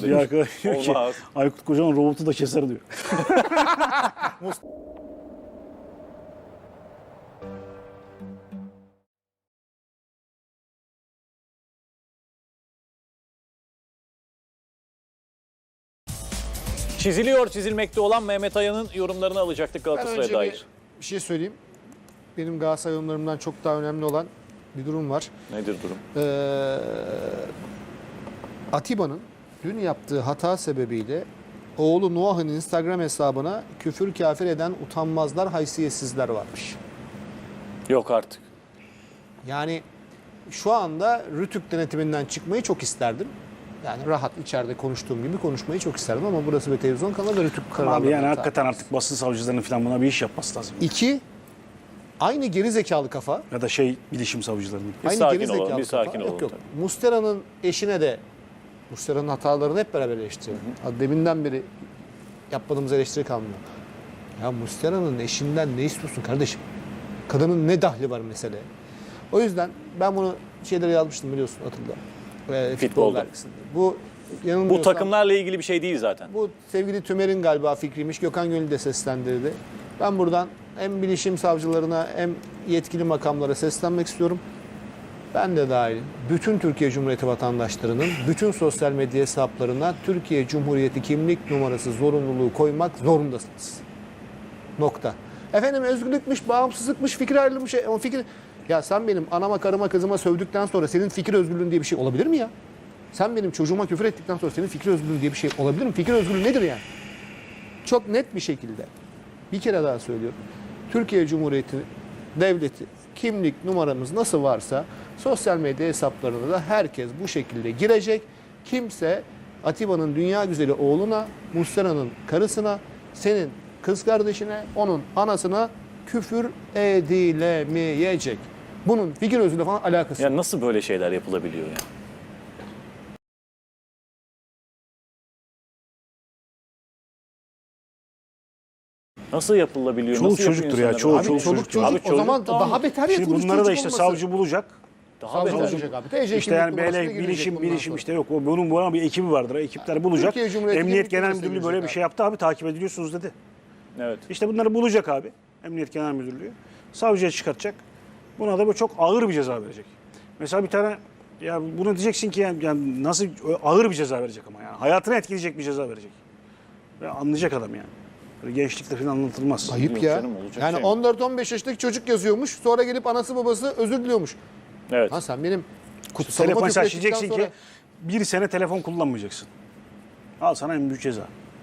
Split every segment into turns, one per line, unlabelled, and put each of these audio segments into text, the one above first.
Bir
demiş.
arkadaş diyor ki
Olmaz.
Aykut Kocaman robotu da keser diyor.
Çiziliyor, çizilmekte olan Mehmet Ayan'ın yorumlarını alacaktık
Ben
Galatasaray'a
önce
dair.
bir şey söyleyeyim. Benim Galatasaray yorumlarımdan çok daha önemli olan bir durum var.
Nedir durum?
Atiba'nın dün yaptığı hata sebebiyle oğlu Noah'ın Instagram hesabına küfür kafir eden utanmazlar, haysiyetsizler varmış.
Yok artık.
Yani şu anda Rütük denetiminden çıkmayı çok isterdim. Yani rahat içeride konuştuğum gibi konuşmayı çok isterdim ama burası bir televizyon kanalı ve Rütük kanalı.
Abi yani hakikaten artık basın savcılarının falan buna bir iş yapması lazım.
İki, aynı geri zekalı kafa.
Ya da bilişim savcılarının.
Bir
Aynı
sakin
geri
olalım,
zekalı
bir sakin
kafa.
olalım
Yok yok.
tabii.
Mustera'nın eşine de Mustera'nın hatalarını hep beraber eleştiriyor. Deminden beri yapmadığımız eleştiri kalmıyor. Ya Mustera'nın eşinden ne istiyorsun kardeşim? Kadının ne dahli var meseleye? O yüzden ben bunu şeylere yazmıştım biliyorsun Atilla.
Futbolda.
dergisinde. Bu
Bu
yanılmıyorsam-
takımlarla ilgili bir şey değil zaten.
bu sevgili Tümer'in galiba fikriymiş. Gökhan Gönül de seslendirdi. Ben buradan hem bilişim savcılarına hem yetkili makamlara seslenmek istiyorum. Ben de dahil bütün Türkiye Cumhuriyeti vatandaşlarının bütün sosyal medya hesaplarına Türkiye Cumhuriyeti kimlik numarası zorunluluğu koymak zorundasınız. Nokta. Efendim özgürlükmüş, bağımsızlıkmış, fikir ayrılmış. O fikir... Ya sen benim anama, karıma, kızıma sövdükten sonra senin fikir özgürlüğün diye bir şey olabilir mi ya? Sen benim çocuğuma küfür ettikten sonra senin fikir özgürlüğün diye bir şey olabilir mi? Fikir özgürlüğü nedir yani? Çok net bir şekilde bir kere daha söylüyorum. Türkiye Cumhuriyeti Devleti kimlik numaramız nasıl varsa sosyal medya hesaplarına da herkes bu şekilde girecek. Kimse Atiba'nın dünya güzeli oğluna, Muslera'nın karısına, senin kız kardeşine, onun anasına küfür edilemeyecek. Bunun fikir özgürlüğü falan alakası yok.
Ya nasıl böyle şeyler yapılabiliyor ya? Nasıl yapılabiliyor?
Çoluk
Nasıl yapıyor
çocuktur ya,
insanlar?
çoğu
Abi
çoluk
çoluk
çocuk.
çocuk
Abi
o
çocuk
zaman
tamam.
daha beter
Şimdi
yapılmış
bunları da
çocuk
işte
olması.
savcı bulacak.
Daha
Savcı
beter.
olacak abi. TC
İşte
kimlik
yani
numarasına
böyle
girecek bundan
bilişim
sonra.
işte yok. Bunun buna bir ekibi vardır. Ekipler bulacak.
Türkiye Cumhuriyeti
Emniyet
kimlik
Genel
numarasına
Müdürlüğü böyle bir
girecek
şey yaptı abi, takip ediliyorsunuz dedi.
Evet.
İşte bunları bulacak abi. Emniyet Genel Müdürlüğü. Savcıya çıkartacak. Buna da böyle çok ağır bir ceza verecek. Mesela bir tane ya bunu diyeceksin ki yani nasıl ağır bir ceza verecek ama yani. Hayatını etkileyecek bir ceza verecek. Ve anlayacak adam yani. Böyle gençlikte falan anlatılmaz.
Ayıp
Yok
ya.
canım, olacak
Yani
şey mi?
14-15 yaşındaki çocuk yazıyormuş. Sonra gelip anası babası özür diliyormuş.
Evet.
Ha sen benim kutsalıma
Telefon
küfür
sen
ettikten
diyeceksin
sonra...
ki bir sene telefon kullanmayacaksın. Al sana en büyük ceza.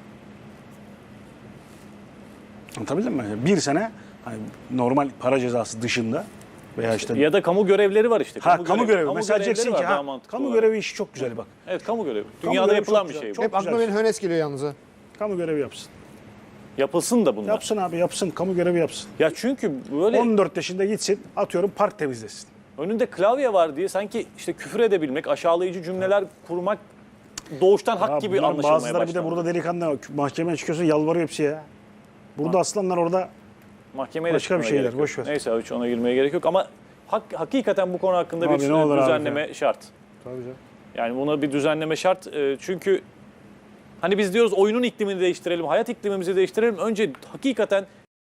Anlatabildim mi? Bir sene hani normal para cezası dışında veya işte
Ya da kamu görevleri var işte.
kamu görevi. Mesela
görevleri
diyeceksin
var
ki
daha mantıklı
kamu
olarak.
görevi işi çok güzel bak.
Evet, kamu görevi.
Kamu
Dünyada
görevi
yapılan
çok
bir
güzel,
şey bu.
çok
Hep aklıma
güzel.
benim Hönes geliyor yalnız ha.
Kamu görevi yapsın.
Yapılsın da bunlar.
Yapsın abi yapsın. Kamu görevi yapsın.
Ya çünkü böyle
14 yaşında gitsin atıyorum park temizlesin.
önünde klavye var diye sanki işte küfür edebilmek, aşağılayıcı cümleler kurmak doğuştan hak
Ya
gibi
bunların
anlaşılmaya
bazıları
başlandı.
bir de burada delikanlı mahkemeye çıkıyorsun yalvarıyor hepsi ya. Burada aslanlar orada
Mahkemeye de
başka bir
çıkmaya
şeyler,
gerek yok.
boş ver.
Neyse hiç ona girmeye gerek yok ama hakikaten bu konu hakkında
Abi
bir
ne olur abi
düzenleme şart.
Tabii canım.
Yani buna bir düzenleme şart. Çünkü hani biz diyoruz oyunun iklimini değiştirelim, hayat iklimimizi değiştirelim. Önce hakikaten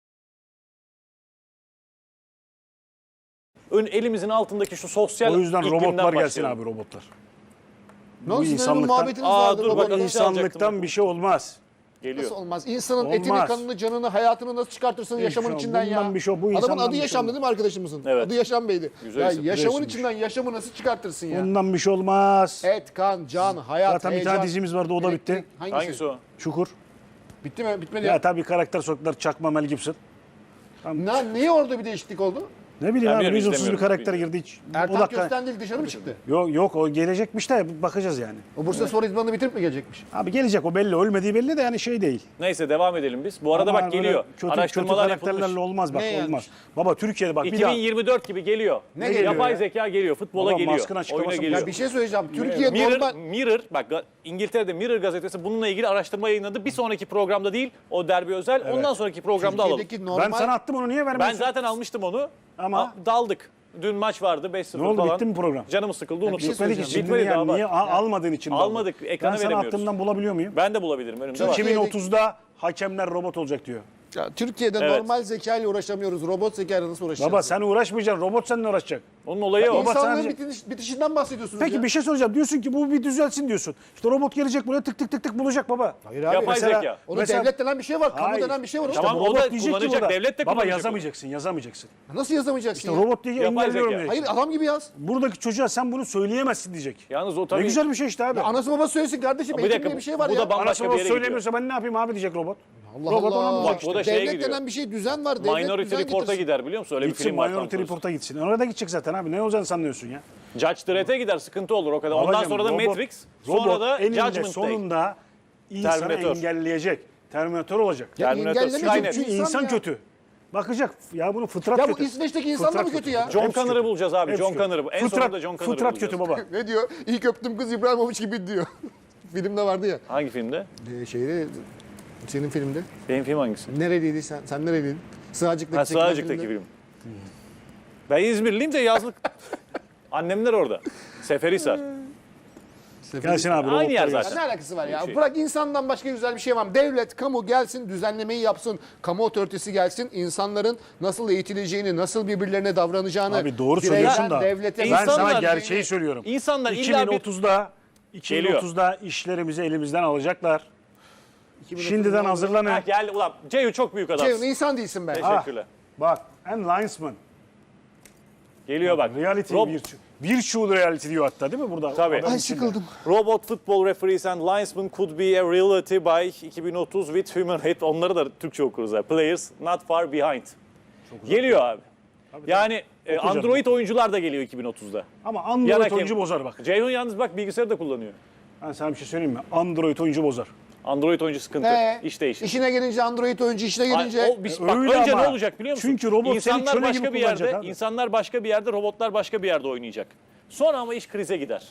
elimizin altındaki şu sosyal
O yüzden
iklimden
robotlar gelsin
başlayalım.
abi robotlar.
Ne olsun
insanlıktan-
insanlıktan... muhabbetiniz
Aa,
vardı.
dur bak,
robotla.
alacaktım.
Bir şey olmaz.
Geliyor.
Nasıl olmaz? İnsanın
Olmaz.
etini, kanını, canını, hayatını nasıl çıkartırsın
Hiç
yaşamın
şey-
içinden ya?
bundan bir şey- bu
Adamın
insandan
adı
bir şey
Yaşam'dı
olmaz.
değil mi arkadaşımızın?
Evet.
Adı Yaşam Bey'di.
Güzel
Ya
isim.
yaşamın
Güzel
içinden yaşamı nasıl çıkartırsın ya?
Ondan bir şey olmaz.
Et, kan, can, hayat,
Zaten bir
heyecan.
tane dizimiz vardı o da bitti.
elektrik.
Hangisi o?
Çukur.
Bitti mi? Bitmedi
Ya
ya.
tabii karakter soktular çakma Mel Gibson.
Niye orada bir değişiklik oldu?
Ne bileyim
Ben
abi
bilmiyorum,
lüzumsuz bir
izlemiyorum,
karakter girdi hiç.
Ertan
Odaklan-
Köstendil dışarı mı çıktı?
Yok o gelecekmiş de bakacağız yani.
O Bursa Spor idmanını bitirip mi gelecekmiş?
Abi gelecek o belli ölmediği belli de yani şey değil.
Neyse devam edelim biz. Bu arada
Ama
bak
böyle
geliyor.
Kötü
Araştırmalar
karakterlerle
yapılmış.
olmaz bak
Ne yani?
olmaz. Baba Türkiye'de bak bir daha.
2024 gibi geliyor.
Ne geliyor
Yapay
ya?
zeka geliyor, futbola
Baba,
geliyor,
maskın açıklaması
oyuna
mı?
geliyor.
Ya bir şey söyleyeceğim. Türkiye normal...
Mirror, bak İngiltere'de Mirror gazetesi bununla ilgili araştırma yayınladı. Bir sonraki programda değil, o derbi özel. Ondan sonraki programda alalım.
Türkiye'deki normal...
Ben sana attım onu niye
Ben
vermiyorsun?
zaten almıştım onu
Ama-
daldık. Dün maç vardı 5-0
Ne oldu,
falan.
bitti mi program?
Canımız sıkıldı unuttuk.
şey
Bitmedi ki.
söyleyeceğim.
Şimdi
Bitmedi daha
niye
var.
almadığın için?
Almadık, ekrana
Ben sana
veremiyoruz.
aklımdan bulabiliyor muyum?
Ben de bulabilirim önümde var.
Türkiye-
2030'da hakemler robot olacak diyor.
Ya, Türkiye'de
Evet.
normal zeka ile uğraşamıyoruz. Robot zeka ile nasıl uğraşacağız?
Baba sen uğraşmayacaksın. Robot seninle uğraşacak.
Onun olayı o.
Baba,
İnsanlığın
sadece-
bitişinden bahsediyorsunuz
Peki
ya.
bir şey soracağım. Diyorsun ki bu bir düzelsin diyorsun. İşte robot gelecek buraya tık tık tık tık bulacak baba.
Hayır abi.
Yapay
Mesela-
zeka.
Onun
Mesela-
devlet denen bir şey var. Kamu
Hayır.
denen bir şey var.
İşte
Tamam,
bu
o
robot
da
diyecek ki
kullanacak,
burada,
devlet de
baba
kullanacak
yazamayacaksın.
Nasıl yazamayacaksın
İşte
ya?
robot diye
Yapay
engelliyorum
zeka.
diyecek.
Hayır adam gibi yaz.
Buradaki çocuğa sen bunu söyleyemezsin diyecek.
Yalnız o
Ne
tabii.
güzel bir şey işte abi.
Anası babası söylesin kardeşim.
Bir
Eğitim
dakika,
diye bir şey var
bu
ya.
da bambaşka
Anası
bir
babası
yere gidiyor.
söylemiyorsa ben ne yapayım abi diyecek robot.
Allah
Robot
Allah.
ona mı
Bak,
bulacak?
bu da şeye
Devlet
gidiyor.
denen bir şey düzen var. Devlet
Minority
düzen
Report'a
getirsin.
gider biliyor musun? Öyle bir
Gitsin
film var. Tom
Minority
Cruise.
Report'a gitsin. Orada gidecek zaten abi. Ne olacağını sanıyorsun ya?
Judge Dredd'e gider sıkıntı olur o kadar. Ondan
Babacım,
sonra da
robot-
Matrix, sonra
robot
da
eninde
Judgment Day.
sonunda insanı
Terminator.
engelleyecek. Terminator olacak.
Ya
Terminator,
engellemeyecek
Skynet.
çünkü
Çünkü insan
ya.
kötü. Bakacak. Ya bunu fıtrat
Ya
kötü.
bu İsveç'teki insanlar
Fıtrat
mı kötü ya?
John
Hepsi
Connor'ı
kötü.
bulacağız abi.
Hepsi
John
kötü.
Connor'ı. En
Fıtrat-
sonunda John Connor'ı
Fıtrat
bulacağız.
kötü baba.
Ne diyor? İlk öptüm kız İbrahimovic gibi diyor. Filmde vardı ya.
Hangi filmde?
Şeyde senin filmde.
Benim film hangisi?
Nereliydi sen? Sen nereliydin? Sığacık'taki
Ha,
çekilen
Sığacık'taki
filmde.
film. Ben İzmirliyim de yazlık. Annemler orada. Seferihisar.
Gelsin abi.
Aynı yer
robotlar
zaten.
Ya ne alakası var ya?
Şey.
Bırak insandan başka güzel bir şey var mı? Devlet, kamu gelsin, düzenlemeyi yapsın. Kamu otoritesi gelsin. İnsanların nasıl eğitileceğini, nasıl birbirlerine davranacağını.
Abi doğru
bireyden
söylüyorsun da.
devlete
Ben
İnsanlar-
sana gerçeği söylüyorum.
İnsanlar illa bir
2030'da işlerimizi elimizden alacaklar. Şimdiden hazırlanın.
Ha, geldi ulan. Ceyhun çok büyük adam.
Ceyhun insan değilsin be.
Teşekkürler.
Bak, and linesman.
Geliyor bak.
Reality
Rob-
virtual reality diyor hatta değil mi burada?
Tabii.
Adam
Ay,
içinde.
Robot football referees and linesmen could be a reality by 2030 with human head. Onları da Türkçe okuruz. Yani. Players not far behind. Geliyor abi. Yani
Okuyacağız.
Android oyuncular da geliyor 2030'da.
Ama
Yan
Android
hakem-
oyuncu bozar bak.
Ceyhun yalnız bak bilgisayarı da kullanıyor.
Ben sana bir şey söyleyeyim mi? Android oyuncu bozar.
Android oyuncu sıkıntı. İş değişir.
İşine gelince Android oyuncu işine gelince.
Ay, bak
Öyle
önce
ama.
ne olacak biliyor musun?
Çünkü robot seni
insanlar
köle
başka
gibi
bir yerde,
kullanacak abi.
insanlar başka bir yerde, robotlar başka bir yerde oynayacak. Sonra ama iş krize gider.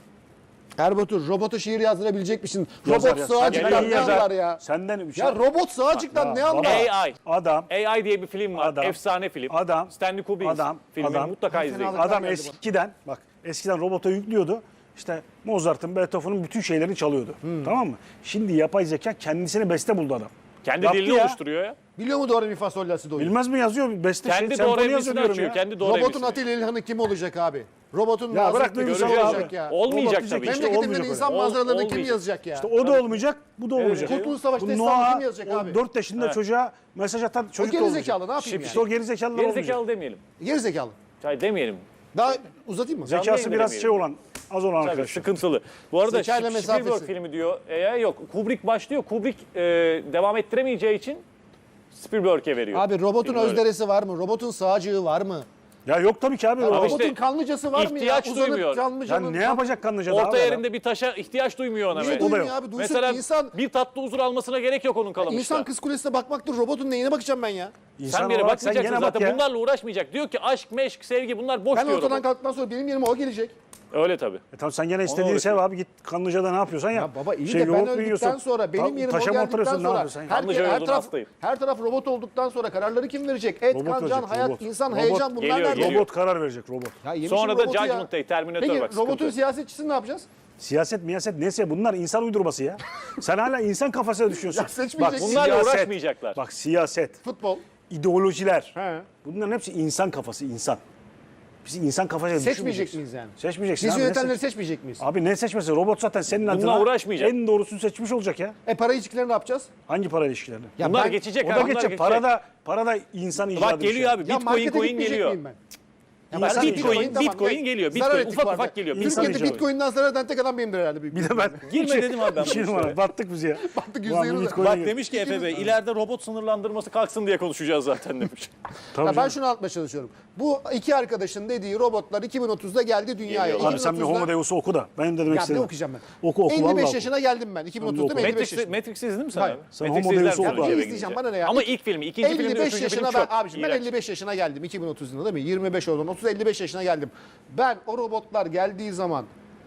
Erbatur robota şiir yazdırabilecek misin?
Yazar
Robot
ya.
sığacıktan
Senden
ne
yazar.
anlar ya?
Senden bir şey.
Ya robot sığacıktan ne anlar?
AI.
Adam,
AI diye bir film var.
Adam.
Efsane film.
Adam.
Stanley Kubrick filmi.
Adam.
Mutlaka izleyin.
Fena-
adam
geldi
eskiden bak eskiden robota yüklüyordu. İşte Mozart'ın, Beethoven'ın bütün şeylerini çalıyordu. Tamam mı? Şimdi yapay zeka kendisini beste buldu adam.
Kendi
Yaptı
dilini
ya.
oluşturuyor ya.
Biliyor mu doğru mi fa sol la si do?
Bilmez mi yazıyor? Beste
Kendi
senfoni
doğru
yazıyor
emisini
diyorum
açıyor.
ya.
Kendi doğru
Robotun
emisini.
Atilla İlhan'ı kim olacak abi? Robotun
Ya bırak
Nazım
duygusal
Hikmet'i kim
abi.
olacak ya?
Olmayacak
Robot
tabii.
diyecek işte,
Memleketinden
olmayacak
insan
öyle.
manzaralarını kim
olmayacak.
yazacak ya?
İşte o da olmayacak, bu da olmayacak.
Kurtuluş Savaşı
Bu
destanı
Noah,
kim yazacak
o
abi?
4 yaşında
Evet.
çocuğa mesaj atan
O
çocuk da
geri
olmayacak.
zekalı ne yapayım
İşte o
yani?
geri zekalılar
Geri
olmayacak.
zekalı demeyelim.
Geri zekalı.
Çay demeyelim.
Daha uzatayım mı?
Canlı
Zekası
yayında
biraz
demeyelim.
şey olan, az olan
Tabii
arkadaşlar.
sıkıntılı. Bu arada
Zekayla
Spielberg
mesafesi.
filmi diyor. Yok Kubrick başlıyor. Kubrick devam ettiremeyeceği için Spielberg'e veriyor.
Abi robotun
Film öyle.
özderesi var mı? Robotun sağcığı var mı?
Ya yok tabii ki abi.
Ama
Robotun
işte
kanlıcası var mı ya?
ihtiyaç duymuyor.
Ya ne yapacak kanlıca daha
Orta
var ya?
yerinde bir taşa ihtiyaç duymuyor ona.
Niye
be.
duymuyor
yok.
abi? Duysun
Mesela
insan,
bir tatlı huzur almasına gerek yok onun kalamışta.
insan kız kulesine bakmaktır. Robotun neyine bakacağım ben ya?
İnsan
Sen bir yere
olarak sen
bakmayacaksın
gene bak
zaten.
ya.
Bunlarla uğraşmayacak. Diyor ki aşk, meşk, sevgi bunlar boş
Ben
diyor.
ortadan
robot.
kalktıktan sonra benim yerime o gelecek.
Öyle tabii.
Tamam sen gene istediğini
uğraşıyor.
sev abi, git kanlıcada ne yapıyorsan yap.
Ya baba iyi
Şey,
de ben
yoğurt mu
öldükten
yiyorsun?
sonra benim yerime o
Taşa mı
geldikten
oturuyorsun, ne
sonra
yapıyorsun ya?
Kanlıca
her
yolunun
taraf,
hastayım.
her taraf robot olduktan sonra kararları kim verecek? Et,
Robot
kan, can,
verecek,
hayat,
robot.
insan,
Robot
heyecan bunlar
geliyor,
nerede?
geliyor.
Robot karar verecek, robot.
Ya yemişim
Sonra da
robotu ya.
Judgment Day, Terminator
Peki
bak.
robotun
sıkıntı.
siyasetçisini ne yapacağız?
Siyaset miyaset neyse bunlar insan uydurması ya. Sen hala insan kafasına düşüyorsun.
Ya seçmeyeceksin.
Bunlarla uğraşmayacaklar.
Bak siyaset,
Futbol.
ideolojiler.
He.
Bunların hepsi insan kafası, insan. Biz insan kafasıyla
Seçmeyecek
düşünmeyeceksin.
miyiz yani?
Seçmeyeceksin
Biz
abi, ne
yönetenleri
seç-
seçmeyecek miyiz?
Abi ne seçmesi? Robot zaten senin adına
uğraşmayacak.
en doğrusunu seçmiş olacak ya.
Para ilişkilerini ne yapacağız?
Hangi para ilişkilerini?
Ya
Bunlar
ben-
geçecek
O
abi.
da
bunlar
geçecek. Para da insan icadı.
Bak
bir
geliyor
şey.
abi.
Ya
Bitcoin
markete
coin
gitmeyecek
geliyor.
miyim ben?
İnsan
ben
icadı.
Bitcoin geliyor.
Zarar
Bitcoin
ettik
ufak
bu
ufak
arada.
geliyor.
Türkiye'de
İnsan
Bitcoin'den zarar eden tek adam benimdir herhalde.
Bir de ben.
Girme dedim abi ben bu
İki numara.
işlere.
Battık biz ya.
Battık,
Ulan
%100
bu
de.
Bitcoin'e
Bak
gir.
demiş ki Efe Bey ileride robot sınırlandırması kalksın diye konuşacağız zaten demiş.
Tabii
Ya ben
canım.
şunu anlatmaya çalışıyorum. Bu iki arkadaşın dediği robotlar 2030'da geldi dünyaya.
Geliyor.
Abi sen bir
2030'da
Homo Deus'u oku da. Benim de demek
Ya ne
istedim.
okuyacağım ben?
Oku
55
vallahi oku.
yaşına geldim ben. 2030'da mı 55
Matrix'i
yaşında?
Matrix'i izledin mi sen
Hayır.
abi?
Sen
Matrix'i
Homo Deus'u
izlersin
oku
önce
abi.
eve
İzleyeceğim,
gidince.
bana ne ya?
Ama ilk filmi, ikinci filmi,
55
üçüncü
yaşına
film
ben
çok
abiciğim ben
iğrenç.
55 yaşına geldim 2030 yılında değil mi? 25 oldum. 30 55 yaşına geldim. Ben o robotlar geldiği zaman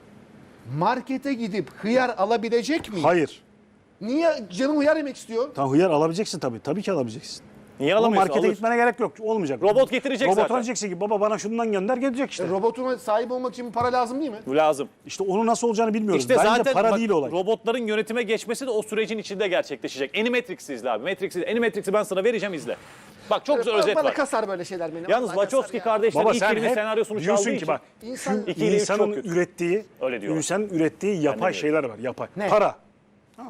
markete gidip hıyar alabilecek miyim?
Hayır.
Niye canım hıyar yemek istiyor?
Tamam hıyar alabileceksin tabii. Tabii ki alabileceksin.
Niye
Oğlum
alamıyorsun?
markete
Alır.
gitmene gerek yok. Olmayacak.
Robot getirecek
Robotuna
zaten.
diyeceksin ki baba bana şundan gönder gelecek işte.
Robotuna sahip olmak için para lazım değil mi?
Bu lazım.
İşte onun nasıl olacağını bilmiyoruz.
İşte
Bence
zaten
para
bak,
değil olay.
robotların yönetime geçmesi de o sürecin içinde gerçekleşecek. Animatrix'i izle abi. Animatrix'i ben sana vereceğim izle. Bak çok güzel özet
Bana
var.
kasar böyle şeyler beni.
Yalnız
Vallahi kasar
Wachowski
ya.
kardeşlerin
Baba
ilk
sen
filmin
hep
senaryosunu
diyorsun
çaldığı
ki
için
bak
İnsan-
İki ile üç çok
insanın
kötü.
ürettiği,
Öyle diyorlar.
insanın ürettiği yapay
diyorum.
şeyler var. Yapay.
Ne?
Para. Ha.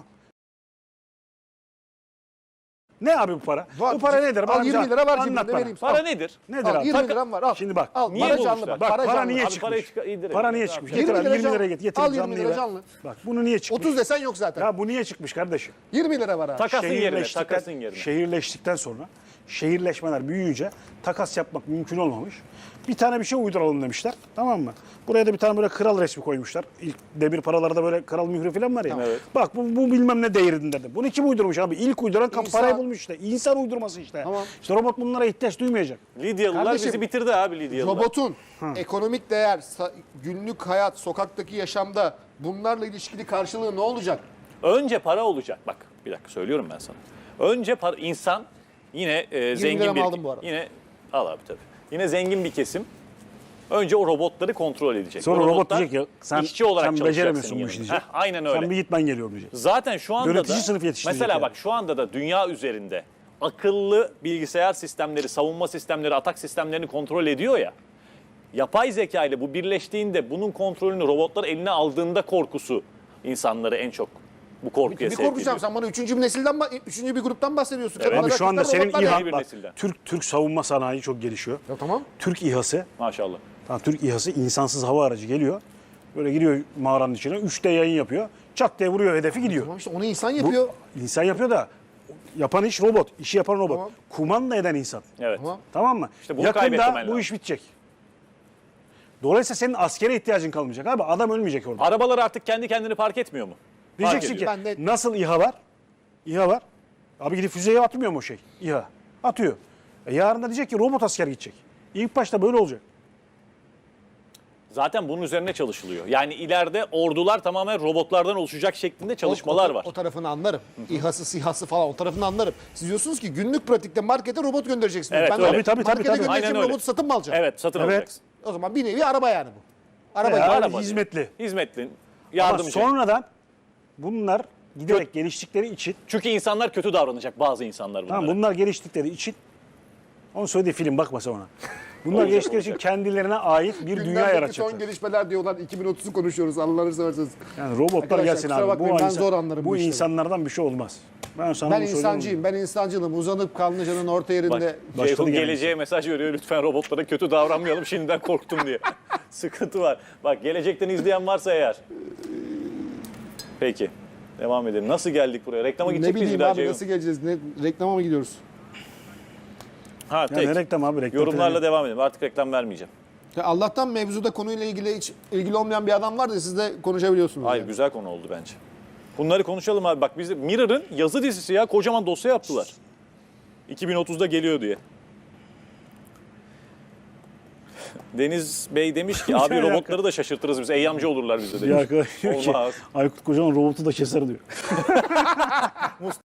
Ne abi bu para?
Var.
Bu para nedir?
Al
Bana
20 lira var
anlat
cebimde
bana.
vereyim.
Para
Al.
nedir?
Nedir
Al,
abi?
20 liram var al.
Şimdi bak.
Al,
Niye
para
bulmuşlar?
canlı bak.
Bak para
canlı.
niye
Abi
çıkmış?
parayı indirelim.
Para niye
Ne
çıkmış?
yapacağız?
Getir
20
abi,
lira
20 liraya
canlı.
getir. Getir
Al 20
canlıyı
lira
ver.
canlı.
Bak bunu niye çıkmış?
30 desen yok zaten.
Ya bu niye çıkmış kardeşim?
20 lira var abi.
Takasın yerine, takasın yerine.
Şehirleştikten sonra şehirleşmeler büyüyünce takas yapmak mümkün olmamış. Bir tane bir şey uyduralım demişler. Tamam mı? Buraya da bir tane böyle kral resmi koymuşlar. İlk demir paralarda böyle kral mührü falan var ya.
Evet.
Bak bu bilmem ne değerinde de. Bunu kim uydurmuş abi? İlk uyduran
İnsan.
parayı bulmuş işte. İnsan uydurması işte.
Tamam.
İşte robot bunlara ihtiyaç duymayacak.
Lidyalılar
Kardeşim,
bizi bitirdi abi Lidyalılar.
Robotun ekonomik değer, günlük hayat, sokaktaki yaşamda bunlarla ilişkili karşılığı ne olacak?
Önce para olacak. Bak bir dakika söylüyorum ben sana. Önce para, insan yine zengin
liramı
bir
aldım bu arada.
yine al abi tabii. Yine zengin bir kesim. Önce o robotları kontrol edecek.
Sonra
O
robot
robotlar
diyecek ya sen,
işçi olarak
sen
çalışacak
beceremiyorsun
senin
bu işi
yanında.
diyecek.
Heh, aynen öyle.
Sen bir git ben geliyorum diyecek.
Zaten şu anda
Yönetici
da
sınıf yetiştirecek
mesela
yani.
bak şu anda da dünya üzerinde akıllı bilgisayar sistemleri, savunma sistemleri, atak sistemlerini kontrol ediyor ya. Yapay zeka ile bu birleştiğinde bunun kontrolünü robotlar eline aldığında korkusu insanları en çok bu korkuya
Bir
sevk
korkacağım
ediyor.
sen bana üçüncü bir gruptan bahsediyorsun.
Evet.
Bana
Abi şu anda
rakipler
senin
robotlar ya.
İHA,
yeni bir
bak,
nesilden.
Türk savunma sanayi çok gelişiyor.
Ya tamam.
Türk İHA'sı,
Maşallah.
tamam, Türk İHA'sı insansız hava aracı geliyor. Böyle giriyor mağaranın içine, 3D yayın yapıyor. Çat diye vuruyor, hedefi gidiyor.
Tamam işte onu insan yapıyor.
İnsan yapıyor da yapan iş robot, işi yapan robot.
Tamam.
Kumanda eden insan.
Evet.
Tamam.
Tamam mı?
İşte bunu kaybetmemen
Yakında
lazım.
bu iş bitecek. Dolayısıyla senin askere ihtiyacın kalmayacak abi. Adam ölmeyecek orada.
Arabalar artık kendi kendini park etmiyor mu?
Diyeceksin
Fark
ki
ediyor.
Ben de-
nasıl İHA var? İHA var. Abi gidip füzeye atmıyor mu o şey? İHA. Atıyor. Yarın da diyecek ki robot asker gidecek. İlk başta böyle olacak.
Zaten bunun üzerine çalışılıyor. Yani ileride ordular tamamen robotlardan oluşacak şeklinde çalışmalar var.
O tarafını anlarım. İHA'sı, SİHA'sı falan o tarafını anlarım. Siz diyorsunuz ki günlük pratikte markete robot göndereceksiniz.
Evet,
ben de
öyle.
Tabii,
markete
tabii.
göndereceğim
Aynen öyle.
robotu satın mı alacağım?
Evet, satın
Evet.
alacaksın.
O zaman bir nevi araba yani bu. Araba gibi.
Abi,
araba
hizmetli.
Hizmetli,
Ama
yardımcı.
sonradan bunlar giderek geliştikleri için,
Çünkü insanlar kötü davranacak, bazı insanlar bunlara.
tamam, bunlar geliştikleri için, onun söylediği film bakma sen ona. Bunlar
Olacak,
geliştikleri için
olacak.
kendilerine ait bir dünya
Gündemdeki son
yaratacaklar.
gelişmeler diyorlar. 2030'u konuşuyoruz. Allah'ını seversiniz.
Yani robotlar
Arkadaşlar,
gelsin
kusura
abi.
bakmayın, ben zor anlarım
bu
bu işleri.
insanlardan bir şey olmaz. Ben sana
Ben
bunu söylüyorum.
insancıyım. Ben insancılım. Uzanıp Kanlıca'nın orta yerinde.
Bak,
Başladı
Ceyhun
gene
geleceğe mesaj veriyor. Lütfen robotlara kötü davranmayalım. Şimdiden korktum diye. Sıkıntı var. Bak gelecekten izleyen varsa eğer. Peki. Devam edelim. Nasıl geldik buraya? Reklama
Ne
gidecek miyiz bir
bileyim
daha
abi
Ceyhun?
nasıl geleceğiz? Reklama mı gidiyoruz?
Ha,
Ya
tek.
ne reklam abi, reklam.
Yorumlarla devam edelim. Artık reklam vermeyeceğim.
Ya Allah'tan mevzuda konuyla ilgili hiç ilgili olmayan bir adam var da siz de konuşabiliyorsunuz.
Hayır,
yani.
güzel konu oldu bence. Bunları konuşalım abi. Bak bizde Mirror'ın yazı dizisi ya. Kocaman dosya yaptılar. 2030'da geliyor diye. Deniz Bey demiş ki abi
Ya,
robotları da şaşırtırız biz. Eyyamcı olurlar bize demiş.
Ya arkadaş diyor ki
Olmaz.
Aykut Kocaman robotu da keser diyor.